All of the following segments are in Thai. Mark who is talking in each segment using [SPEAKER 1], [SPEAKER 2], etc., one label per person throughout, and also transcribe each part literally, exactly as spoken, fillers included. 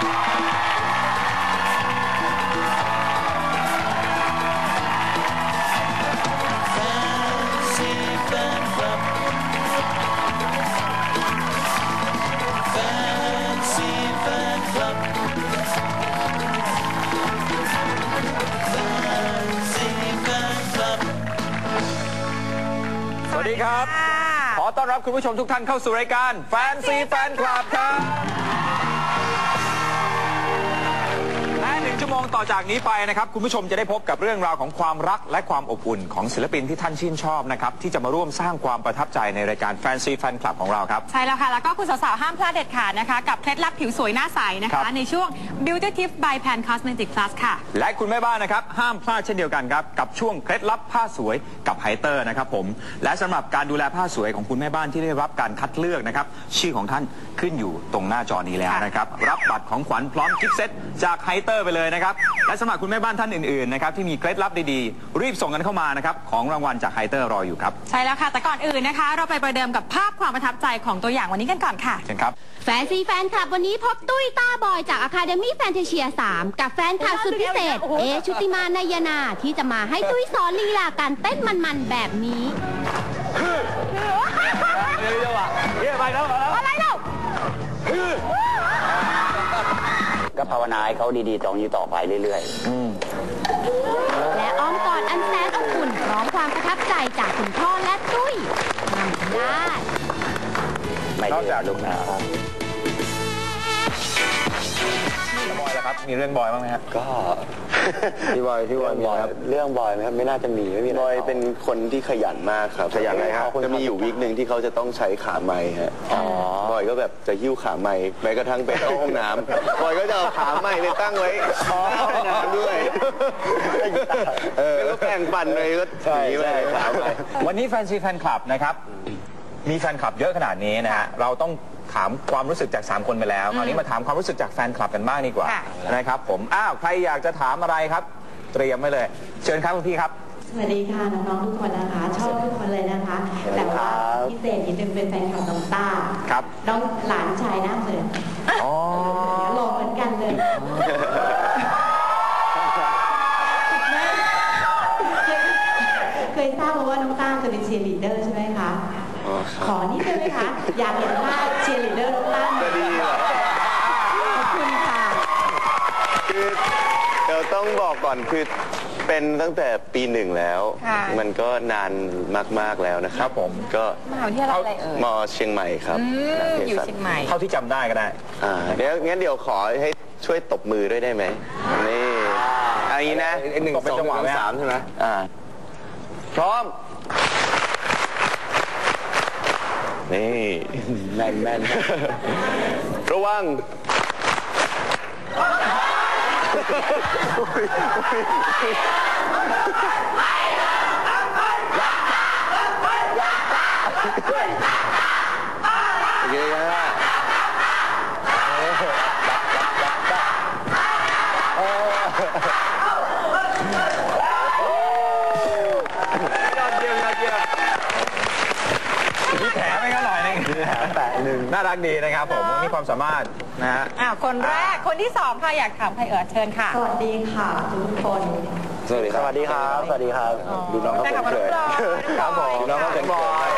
[SPEAKER 1] สวัสดีครับขอต้อนรับคุณผู้ชมทุกท่านเข้าสู่รายการแฟนซีแฟนคลับครับและหนึ่งชั่วโมงต่อจากนี้ไปนะครับคุณผู้ชมจะได้พบกับเรื่องราวของความรักและความอบอุ่นของศิลปินที่ท่านชื่นชอบนะครับที่จะมาร่วมสร้างความประทับใจในรายการแฟนซีแฟนคลับของเราครับ
[SPEAKER 2] ใช่แล้วค่ะแล้วก็คุณสาวๆห้ามพลาดเด็ดขาดนะคะกับเคล็ดลับผิวสวยหน้าใสนะคะในช่วง Beauty Tips by Pan Cosmetic Plus ค่ะ
[SPEAKER 1] และคุณแม่บ้านนะครับห้ามพลาดเช่นเดียวกันครับกับช่วงเคล็ดลับผ้าสวยกับไฮเตอร์นะครับผมและสำหรับการดูแลผ้าสวยของคุณแม่บ้านที่ได้รับการคัดเลือกนะครับชื่อของท่านขึ้นอยู่ตรงหน้าจอนี้แล้วนะครับรับบัตรของขวัญพร้อมกิฟต์เซตจากไฮเตอร์ไปเลยนะครับและสำหรับคุณแม่บ้านท่านอื่นๆนะครับที่มีเคล็ดลับดีๆรีบส่งกันเข้ามานะครับของรางวัลจากไฮเตอร์รออยู่ครับ
[SPEAKER 2] ใช่แล้วค่ะแต่ก่อนอื่นนะคะเราไปประเดิมกับภาพความประทับใจของตัวอย่างวันนี้กันก่อนค่ะ
[SPEAKER 1] เชิญครับ
[SPEAKER 3] แฟนซีแฟนคลับวันนี้พบตุ้ยต้าบอยจาก Academy Fantasia สามกับแฟนคลับสุดพิเศษเอชุติมานายนาที่จะมาให้ตุ้ยสอนลีลาการเต้นมันๆแบบนี้
[SPEAKER 1] เร็วๆอ่ะเรียกไปแล้ว
[SPEAKER 3] อะไรเล่า
[SPEAKER 4] ก็ภาวนาให้เขาดีๆตรงนี้ต่อไปเรื่อย
[SPEAKER 3] ๆและอ้อมกอดอันแสนอบอุ่นพร้อมความประทับใจจากคุณพ่อและตุ้ยทำได้
[SPEAKER 4] ไม่ได้จากลูกนะครับ
[SPEAKER 1] บอยล่ะครับมีเรื่องบอยบ้างไหมครับ
[SPEAKER 4] ก็
[SPEAKER 5] พี่บอยพี่บอยมีครับ
[SPEAKER 4] เรื่องบอยไหมครับไม่น่าจะมีไม่มี
[SPEAKER 5] บอยเป็นคนที่ขยันมากครับ
[SPEAKER 4] ขยันอะไรครับ
[SPEAKER 5] จะมีอยู่วีคหนึ่งที่เขาจะต้องใช้ขาไม้ฮะบอยก็แบบจะหิ้วขาไม้แม้กระทั่งไปเข้าห้องน้ำบอยก็จะเอาขาไม้ไปตั้งไว้น้ำด้วยเออแล้วแข่งปั่นเลยก็หนีไปขาไม้
[SPEAKER 1] วันนี้แฟนซีแฟนคลับนะครับมีแฟนคลับเยอะขนาดนี้นะฮะเราต้องถามความรู้สึกจากสามคนไปแล้วคราวนี้มาถามความรู้สึกจากแฟนคลับกันบ้างดีกว่านะครับผมอ้าวใครอยากจะถามอะไรครับเตรียมไว้เลยเชิญครับคุณพี่ครับ
[SPEAKER 6] สวัสดีค่ะน้องๆทุกคนนะคะชอบทุกคนเลยนะคะแต่ว่าพิเศษนิดนึงเป็นแฟนคลับน้องต้า
[SPEAKER 1] ครับ
[SPEAKER 6] น้องหลานชายหน้าเหมือน
[SPEAKER 1] อ๋อ
[SPEAKER 6] หล่อเหมือนกันเลยเคยทราบมาว่าน้องต้าเคยเป็นเชียร์ลีดเดอร์ใช่ไหมคะขอนี่ได้ไหมคะอยากเห็นภาพเชียร์ลีดเดอร์น้องต้า
[SPEAKER 5] ก็ดีเหรอ
[SPEAKER 6] ขอบคุณค่ะ
[SPEAKER 5] คือเราต้องบอกก่อนคือเป็นตั้งแต่ปีหนึ่งแล้วมันก็นานมากๆแล้วนะครับ
[SPEAKER 1] ผม
[SPEAKER 5] ก็
[SPEAKER 2] มหาวิทยาลัยอะไรเอ่ย
[SPEAKER 5] ม.เชียงใหม่ครับ
[SPEAKER 2] อยู่เชียงใหม่
[SPEAKER 1] เท่าที่จำได้ก็ได้
[SPEAKER 5] อ่าเดี๋ยวงั้นเดี๋ยวขอให้ช่วยตบมือด้วยได้ไหมนี่อันนี้นะ
[SPEAKER 1] หนึ่งสองสามใช่ไหม
[SPEAKER 5] อ่าพร้อมนี่
[SPEAKER 4] แม่นแม่น
[SPEAKER 5] ระวังเยอะนะ
[SPEAKER 1] มีแผลไหมครับหน่อยนึง
[SPEAKER 5] แผลหนึ่ง
[SPEAKER 1] น่ารักดีนะครับผมมีความสามารถนะฮะ
[SPEAKER 2] อ้าวคนแรกคนที่สองค่ะอยากถามใครเอ่ยเชิญค่ะ
[SPEAKER 6] สวัสดีค่ะทุกคน
[SPEAKER 5] สวัสดีครับสวัสดีครับสวัสดีครับดูน้องเขาเป็นเขิน
[SPEAKER 1] ครับผม
[SPEAKER 5] น้องเขาเป็นบอย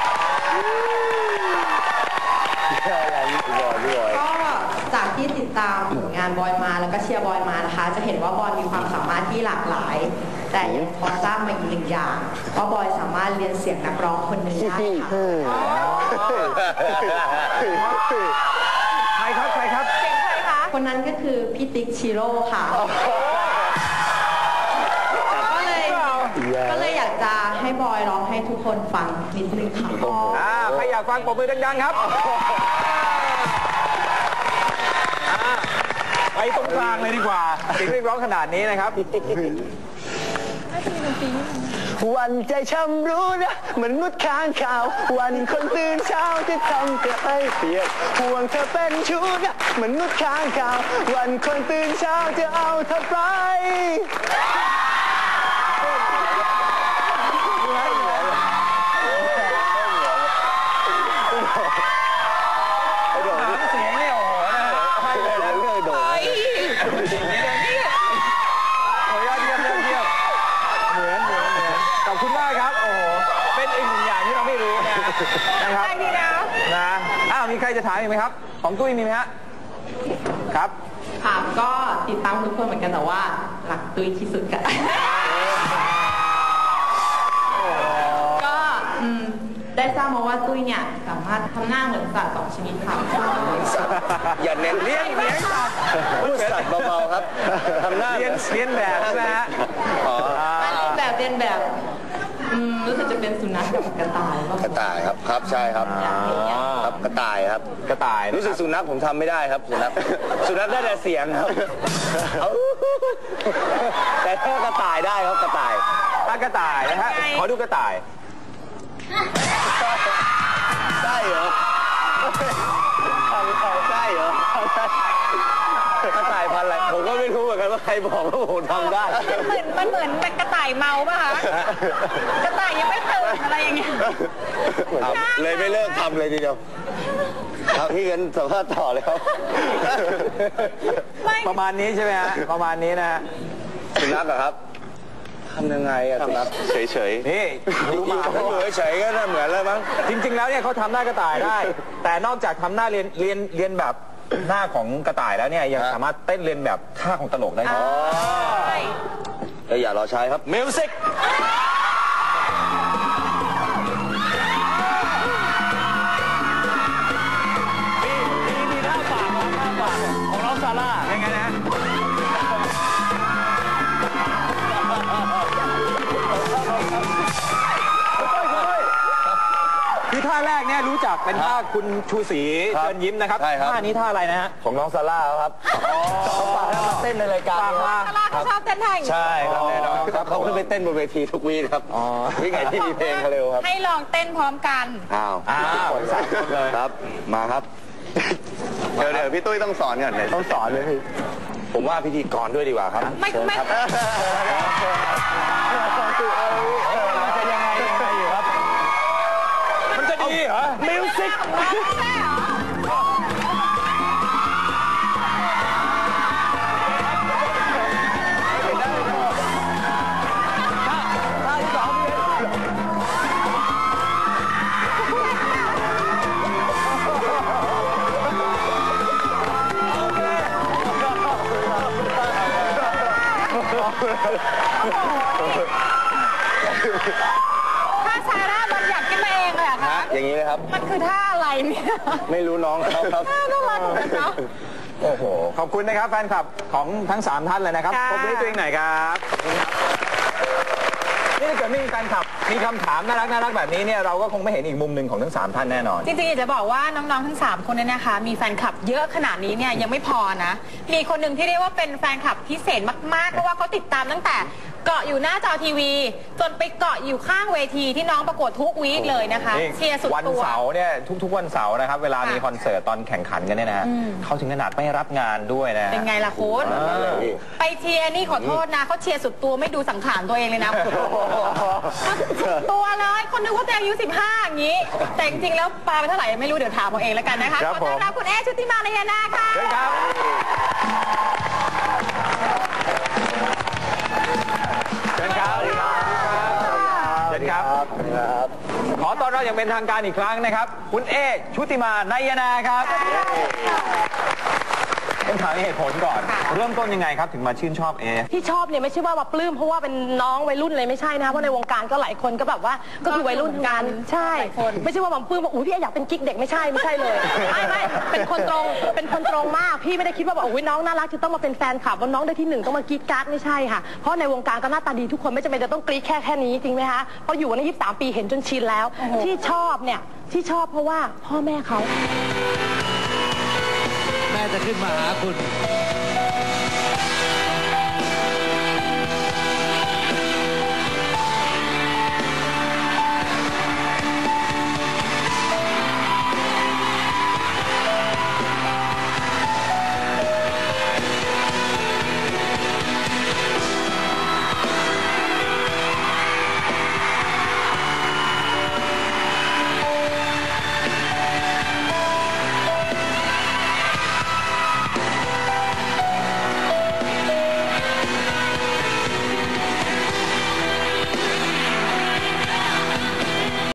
[SPEAKER 5] อะไรนี่บอยบอย
[SPEAKER 6] ก็จากที่ติดตามผลงานบอยมาแล้วก็เชียร์บอยมานะคะจะเห็นว่าบอยมีความสามารถที่หลากหลายแต่ยังพอทราบมาอีกหนึ่งอย่างว่าบอยสามารถเรียนเสียงนักร้องคนหนึ่งได้ค่ะ
[SPEAKER 1] ใครครับใครครับ
[SPEAKER 2] เสียงใครคะ
[SPEAKER 6] คนนั้นก็คือพี่ติ๊กชิโร่ค่ะก็เลยก็เลยอยากจะให้บอยร้องให้ทุกคนฟังนิดนึงค่ะ
[SPEAKER 1] อ่าใครอยากฟังปรบมือดังๆครับไปตรงกลางเลยดีกว่าเสียงเรียกร้องขนาดนี้นะครับ
[SPEAKER 5] วันใจช้ำรู้นะเหมือนมุดค้างข่าววันคนตื่นเช้าที่ทำเธอให้เปียกห่วงเธอเป็นชู้นะเหมือนมุดค้างข่าววันคนตื่นเช้าจะเอาเธอไป
[SPEAKER 1] เสียงไม่โอ้โหนะให้เลยแล้วเคยโดนโอ้ยยอดเยี่ยมยอดเยี่ยมเหมือนเหมือนเหมือนขอบคุณมากครับโอ้โหเป็นอีกหนึ่งอย่างที่เราไม่รู้นะนะครับ
[SPEAKER 2] ได้ดีนะ
[SPEAKER 1] นะอ้าวมีใครจะถามอีกไหมครับของตุ้ยมีไหมฮะครับ
[SPEAKER 6] ค่ะก็ติดตามทุกคนเหมือนกันแต่ว่าหลักตุ้ยที่สุดกัน ก็อืมได้ทราบมาว่าตุ้ยเนี่ยสามารถทำหน้าเหมือนสัตว์สองชนิดค่ะ
[SPEAKER 5] อย่าเน้น
[SPEAKER 1] เลี้ยงเลี้ยงสัตว์
[SPEAKER 5] พูดสัตว์เบาๆครับทำหน้า
[SPEAKER 1] เลี้ยงเลี้ยงแบบใช่ไหมฮะ
[SPEAKER 5] อ๋อ
[SPEAKER 6] แบบเรียนแบบอืมรู้สึกจะเป็นสุนัขกับกระต่ายว่าก
[SPEAKER 5] ระต่ายครับครับใช่ครับครับกระต่ายครับ
[SPEAKER 1] กระต่าย
[SPEAKER 5] รู้สึกสุนัขผมทำไม่ได้ครับสุนัขสุนัขได้แต่เสียงครับแต่ถ้ากระต่ายได้ครับกระต่าย
[SPEAKER 1] ถ้ากระต่ายนะฮะขอดูกระต่าย
[SPEAKER 5] ใช่เหรอใช่เหรอกระต่ายพันธุ์อะไรผมก็ไม่รู้เหมือนกันว่าใครบอกว่าผมทำได้
[SPEAKER 2] มันเหมือนมันเหมือนเป็นกระต่ายเมาป่ะคะกระต่ายยังไม่ตื่นอะไรอย่างเงี้ย
[SPEAKER 5] ครับเลยไม่เลิกทำเลยทีเดียวครับพี่กันสัมภาษณ์ต่อเลยครับ
[SPEAKER 1] ประมาณนี้ใช่ไหมฮะประมาณนี้นะฮะ
[SPEAKER 5] สุนัขเหรอครับทำยังไงอะสุนัขเฉยๆ
[SPEAKER 1] นี่ดูหมา
[SPEAKER 5] ถ้าเหมือนเฉยก็น่าเหมือนแล้วมั้ง
[SPEAKER 1] จริง ๆ แล้วเนี่ยเขาทำหน้ากระต่ายได้ แต่นอกจากทำหน้าเรียนเรียนเรียนแบบหน้าของกระต่ายแล้วเนี่ยยังสามารถเต้นเรียนแบบท่าของตลกได้ด้วย
[SPEAKER 5] เอ้ยอย่ารอใช้ครับมิวสิกมีมีมีท่าปากของท่าปากของน้องซาร่า
[SPEAKER 1] ยังไงนะฮะคือท่าแรกเนี่ยรู้จักเป็นท่าคุณชูศรีเชิญยิ้มนะครับ
[SPEAKER 5] ใช่ครับ
[SPEAKER 1] ท่านี้ท่าอะไรนะฮะ
[SPEAKER 5] ของน้องซาร่าครับเขาฝากให้มาเต้นในรายการ
[SPEAKER 1] ฝากมา
[SPEAKER 2] ซาร่าเขาชอบเต้นท่าอย่างนี้
[SPEAKER 5] ใช่ครับแน่นอนครับเขาขึ้นไปเต้นบนเวทีทุกวีครับวิ่งไงที่มีเพลงเขาเร็วครับ
[SPEAKER 2] ให้ลองเต้นพร้อมกัน
[SPEAKER 5] อ้าว
[SPEAKER 1] อ้าวสามคนเลย
[SPEAKER 5] ครับมาครับเดี๋ยวเดี๋ยวพี่ตุ้ยต้องสอนก่อนเลยต้องสอนเลยพี่ผมว่าพิธีกรด้วยดีกว่าครับ
[SPEAKER 2] ไม่ไม่
[SPEAKER 5] เชิญครับ
[SPEAKER 1] มันจะยังไงยังไงอยู่ครับ มันจะดีเหรอ
[SPEAKER 2] มิวสิกไม่ใช่เหรอ ถ้าซาร่าบัญญัติขึ้นมาเองเลยเหรอคะ
[SPEAKER 5] อย่างนี้เลยครับ
[SPEAKER 2] มันคือท่าอะไรเนี่ย
[SPEAKER 5] ไม่รู้น้องเขาครับ
[SPEAKER 2] น่ารักเหมือนกันเนาะ
[SPEAKER 1] โอ้โห ขอบคุณนะครับแฟนคลับของทั้งสามท่านเลยนะครับ
[SPEAKER 2] ค่ะ
[SPEAKER 1] ขอบคุณตัวเองหน่อยครับขอบคุณครับ นี่ถ้าเกิดไม่มีแฟนคลับ มีคำถามน่ารักน่ารักแบบนี้เนี่ยเราก็คงไม่เห็นอีกมุมหนึ่งของทั้งสามท่านแน่นอน
[SPEAKER 2] จริงๆอยากจะบอกว่าน้องๆทั้งสามคนเนี่ยนะคะ มีแฟนคลับเยอะขนาดนี้เนี่ยยังไม่พอนะ มีคนหนึ่งที่เรียกว่าเป็นแฟนคลับพิเศษมากๆเพราะว่าเขาติดตามตั้งแต่เกาะอยู่หน้าจอทีวี จนไปเกาะอยู่ข้างเวทีที่น้องประกวดทุกวีคเลยนะคะ
[SPEAKER 1] นี่
[SPEAKER 2] เชียร์สุด
[SPEAKER 1] วัน
[SPEAKER 2] ตัว
[SPEAKER 1] เสาร์เนี่ยทุกๆวันเสาร์นะครับเวลา
[SPEAKER 2] ค่ะ
[SPEAKER 1] มีคอนเสิร์ตตอนแข่งขันกันเนี่ยนะฮะ
[SPEAKER 2] อืม
[SPEAKER 1] เขาถึงขนาดไม่รับงานด้วยนะ
[SPEAKER 2] เป็นไงล่ะคุณ
[SPEAKER 1] เออ
[SPEAKER 2] ไปเชียร์นี่ขอโทษนะเขาเชียร์สุดตัวไม่ดูสังขารตัวเองเลยนะสุดตัวเลยคนนึกว่าตัวเองอายุสิบห้าอย่างนี้ แต่จริงๆแล้วปาไปเท่าไหร่ไม่รู้เดี๋ยวถามเอาเองแล้วกันนะคะ
[SPEAKER 1] ครับ
[SPEAKER 2] ขอต้อนรับคุณเอชุติมาลายนาค่ะ
[SPEAKER 1] เชิญครับเชิญครับเชิญครับ ขอต้อนรับอย่างเป็นทางการอีกครั้งนะครับ คุณเอกชุติมานายนาครับต้องถามเหตุผลก่อน เริ่มต้นยังไงครับถึงมาชื่นชอบเอ
[SPEAKER 7] ที่ชอบเนี่ยไม่ใช่ว่ามาปลื้มเพราะว่าเป็นน้องวัยรุ่นเลยไม่ใช่นะคะเพราะในวงการก็หลายคนก็แบบว่าก็คือวัยรุ่นทั้งนั้นใช่ไม่ใช่ว่ามาปลื้มว่าอุ้ยพี่อยากเป็นกิ๊กเด็กไม่ใช่ไม่ใช่เลยไม่ไม่เป็นคนตรงเป็นคนตรงมากพี่ไม่ได้คิดว่าแบบอุ้ยน้องน่ารักจะต้องมาเป็นแฟนคลับว่าน้องได้ที่หนึ่งต้องมากรี๊ดกราร์ดไม่ใช่ค่ะเพราะในวงการก็หน้าตาดีทุกคนไม่จำเป็นจะต้องกรี๊ดแค่แค่นี้จริงไหมคะเพราะอยู่มายี่สิบสามปีเห็นจนชินแล้วที่ชอบเนี่ยที่ชอบเพราะว่าพ่อแม่เขา
[SPEAKER 8] แม่จะขึ้นมาหาคุณ